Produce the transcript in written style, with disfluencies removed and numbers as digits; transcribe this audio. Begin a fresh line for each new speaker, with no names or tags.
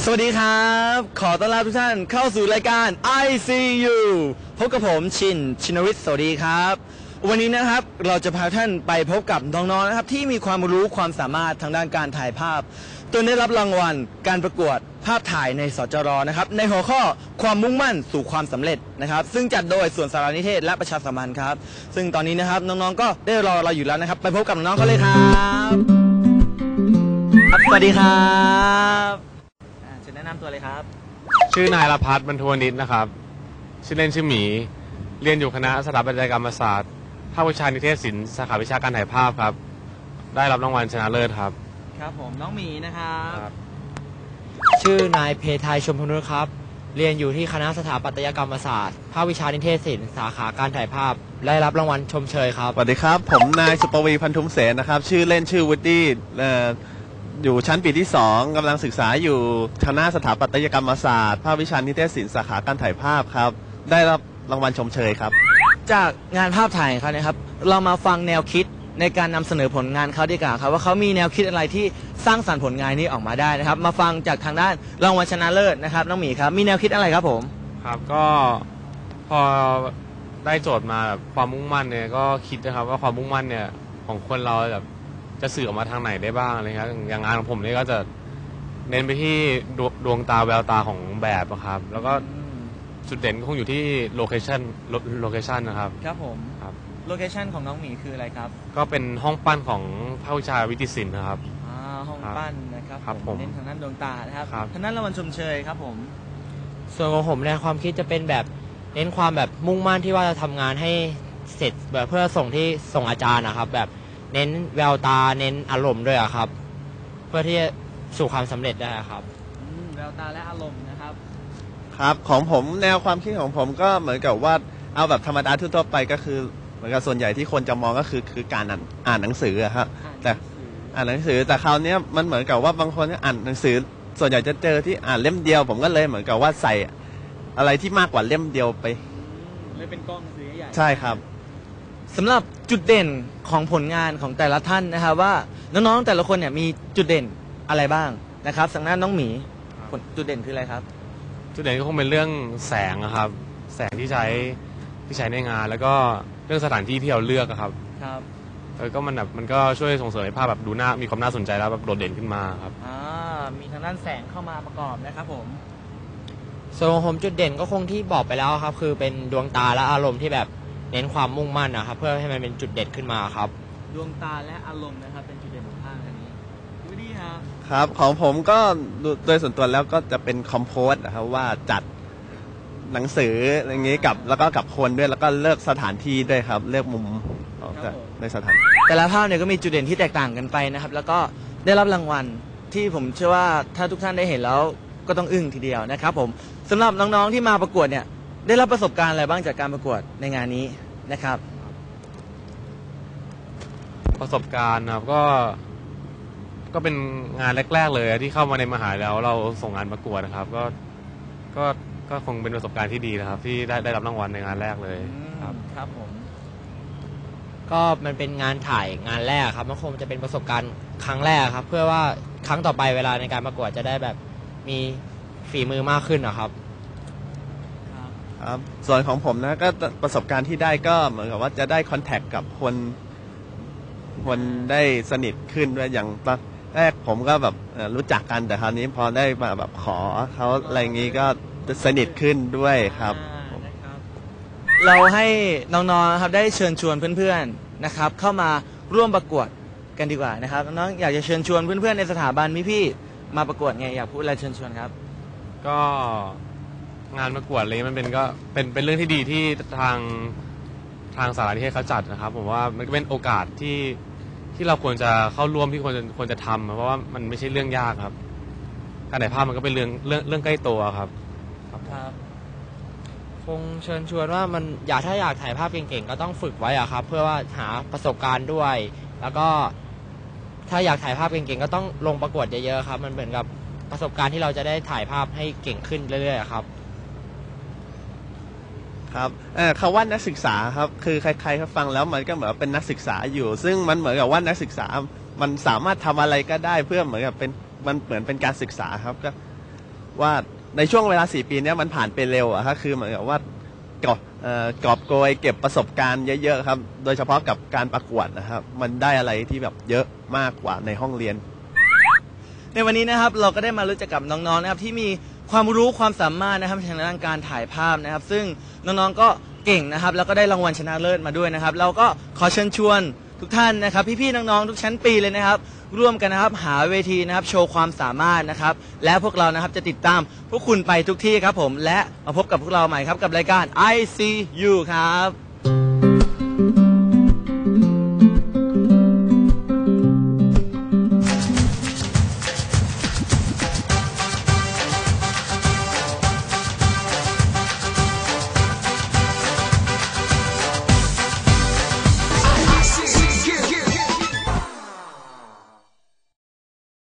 วัสดีครับขอต้อนรับทุกท่านเข้าสู่รายการ ICU พบกับผมชินวิทย์สวัสดีครับวันนี้นะครับเราจะพาท่านไปพบกับน้องๆนะครับที่มีความรู้ความสามารถทางด้านการถ่ายภาพจนได้รับรางวัลการประกวดภาพถ่ายในสจรนะครับในหัวข้อความมุ่งมั่นสู่ความสำเร็จนะครับซึ่งจัดโดยส่วนสารนิเทศและประชาสัมพันธ์ครับซึ่งตอนนี้นะครับน้องๆก็ได้รอเราอยู่แล้วนะครับไปพบกับน้องๆเขาเลยครับสวัสดีครับจะแนะนำตัวเลยครับ
ชื่อนายรพัฒน์บรรทวนิชนะครับชื่อเล่นชื่อหมีเรียนอยู่คณะสถาปัตยกรรมศาสตร์ภาควิชานิเทศศิลป์สาขาวิชาการถ่ายภาพครับได้รับรางวัลชนะเลิศครับ
ครับผมน้องหมีนะครับ
ชื่อนายเพทายชมพนุษครับเรียนอยู่ที่คณะสถาปัตยกรรมศาสตร์ภาควิชานิเทศศิลป์สาขาการถ่ายภาพได้รับรางวัลชมเชยครับ
สวัสดีครับผมนายสุปวีพันธุมเสนนะครับชื่อเล่นชื่อวูดดี้อยู่ชั้นปีที่2กำลังศึกษาอยู่คณะสถาปัตยกรรมศาสตร์ภาควิชานิเทศศิลป์สาขาการถ่ายภาพครับได้รับรางวัลชมเชยครับ
จากงานภาพถ่ายเขาเนี่ยครับเรามาฟังแนวคิดในการนำเสนอผลงานเขาดีกว่าครับว่าเขามีแนวคิดอะไรที่สร้างสรรค์ผลงานนี้ออกมาได้นะครับมาฟังจากทางด้านรางวัลชนะเลิศนะครับน้องหมีครับมีแนวคิดอะไรครับผม
ครับก็พอได้โจทย์มาแบบความมุ่งมั่นเนี่ยก็คิดนะครับว่าความมุ่งมั่นเนี่ยของคนเราแบบจะสื่อออกมาทางไหนได้บ้างอะไรครับอย่างงานของผมนี่ก็จะเน้นไปที่ดวงตาแววตาของแบบครับแล้วก็จุดเด่นคงอยู่ที่โลเคชั่นนะครับ
ครับผมครับโลเคชั่นของน้องหมีคืออะไรครับ
ก็เป็นห้องปั้นของภาควิชาวิทยศิลป์นะครับ
ห้องปั้นนะครับผมเน้นทางด้านดวงตานะครับทางด้านรางวัลชมเชยครับผม
ส่วนของผมในความคิดจะเป็นแบบเน้นความแบบมุ่งมั่นที่ว่าจะทำงานให้เสร็จแบบเพื่อส่งอาจารย์นะครับแบบเน้นแววตาเน้นอารมณ์ด้วยครับเพื่อที่จะสู่ความสำเร็จได้ครับ
แววตาและอารมณ์นะครับ
ครับของผมแนวความคิดของผมก็เหมือนกับว่าเอาแบบธรรมดาทั่วไปก็คือเหมือนกับส่วนใหญ่ที่คนจะมองก็คือการอ่านหนังสือครับแต่อ่านหนังสือแต่คราวนี้มันเหมือนกับว่าบางคนอ่านหนังสือส่วนใหญ่จะเจอที่อ่านเล่มเดียวผมก็เลยเหมือนกับว่าใส่อะไรที่มากกว่าเล่มเดียวไป
เลยเป็นกล้องหนังสือใหญ่
ใช่ครับ
สำหรับจุดเด่นของผลงานของแต่ละท่านนะครับว่าน้องๆแต่ละคนเนี่ยมีจุดเด่นอะไรบ้างนะครับสังนาน้องหมีจุดเด่นคืออะไรครับ
จุดเด่นก็คงเป็นเรื่องแสงครับแสงที่ใช้ในงานแล้วก็เรื่องสถานที่ที่เราเลือกครับ
ครับ
แล้วก็มันก็ช่วยส่งเสริมให้ภาพแบบดูมีความน่าสนใจแล้วแบบโดดเด่นขึ้นมาครับ
มีทางด้านแสงเข้ามาประกอบนะครับผม
ส่วนของผมจุดเด่นก็คงที่บอกไปแล้วครับคือเป็นดวงตาและอารมณ์ที่แบบเน้นความมุ่งมั่นนะครับเพื่อให้มันเป็นจุดเด่นขึ้นมาครับ
ดวงตาและอารมณ์นะครับเป็นจุดเด่นของภาพอันนี้ดูดีครับ
ครับของผมก็โดยส่วนตัวแล้วก็จะเป็นคอมโพสนะครับว่าจัดหนังสืออย่างนี้แล้วก็กับคนด้วยแล้วก็เลือกสถานที่ด้วยครับเลือกมุมในสถาน
แต่ละภาพเนี่ยก็มีจุดเด่นที่แตกต่างกันไปนะครับแล้วก็ได้รับรางวัลที่ผมเชื่อว่าถ้าทุกท่านได้เห็นแล้วก็ต้องอึ้งทีเดียวนะครับผมสำหรับน้องๆที่มาประกวดเนี่ยได้รับประสบการณ์อะไรบ้างจากการประกวดในงานนี้นะครับ
ประสบการณ์ครับก็เป็นงานแรกๆเลยที่เข้ามาในมหาลัยแล้วเราส่งงานประกวดนะครับก็คงเป็นประสบการณ์ที่ดีนะครับที่ได้รับรางวัลในงานแรกเลยครับ
ครับผม
ก็มันเป็นงานถ่ายงานแรกครับมันคงจะเป็นประสบการณ์ครั้งแรกครับเพื่อว่าครั้งต่อไปเวลาในการประกวดจะได้แบบมีฝีมือมากขึ้นนะครับ
ครับส่วนของผมนะก็ประสบการณ์ที่ได้ก็เหมือนกับว่าจะได้คอนแทคกับคนได้สนิทขึ้นด้วยอย่างตอนแรกผมก็แบบรู้จักกันแต่คราวนี้พอได้มาแบบขอเขาอะไรอย่างนี้ก็สนิทขึ้นด้วยครับ
เราให้น้องๆครับได้เชิญชวนเพื่อนๆนะครับเข้ามาร่วมประกวดกันดีกว่านะครับน้องอยากจะเชิญชวนเพื่อนๆในสถาบันพี่ๆมาประกวดไงอยากพูดอะไรเชิญชวนครับ
ก็งานประกวดอะไรมันก็เป็นเรื่องที่ดีที่ทางสารนิเทศเขาจัดนะครับผมว่ามันก็เป็นโอกาสที่เราควรจะเข้าร่วมที่ควรจะทำเพราะว่ามันไม่ใช่เรื่องยากครับการถ่ายภาพมันก็เป็นเรื่องใกล้ตัวครับ
คงเชิญชวนว่ามันถ้าอยากถ่ายภาพเก่งๆก็ต้องฝึกไว้ครับเพื่อว่าหาประสบการณ์ด้วยแล้วก็ถ้าอยากถ่ายภาพเก่งๆก็ต้องลงประกวดเยอะๆครับมันเหมือนกับประสบการณ์ที่เราจะได้ถ่ายภาพให้เก่งขึ้นเรื่อยๆครับ
ครับคำว่านักศึกษาครับคือใครๆเขาฟังแล้วมันก็เหมือนเป็นนักศึกษาอยู่ซึ่งมันเหมือนกับว่านักศึกษามันสามารถทำอะไรก็ได้เพื่อเหมือนกับมันเหมือนเป็นการศึกษาครับก็ว่าในช่วงเวลา4 ปีเนี้ยมันผ่านไปเร็วอะครับคือเหมือนกับว่ากอบโกยเก็บประสบการณ์เยอะๆครับโดยเฉพาะกับการประกวดนะครับมันได้อะไรที่แบบเยอะมากกว่าในห้องเรียน
ในวันนี้นะครับเราก็ได้มารู้จักกับน้องๆนะครับที่มีความรู้ความสามารถนะครับทางด้านการถ่ายภาพนะครับซึ่งน้องๆก็เก่งนะครับแล้วก็ได้รางวัลชนะเลิศมาด้วยนะครับเราก็ขอเชิญชวนทุกท่านนะครับพี่ๆน้องๆทุกชั้นปีเลยนะครับร่วมกันนะครับหาเวทีนะครับโชว์ความสามารถนะครับและพวกเรานะครับจะติดตามพวกคุณไปทุกที่ครับผมและมาพบกับพวกเราใหม่ครับกับรายการ ICU ครับ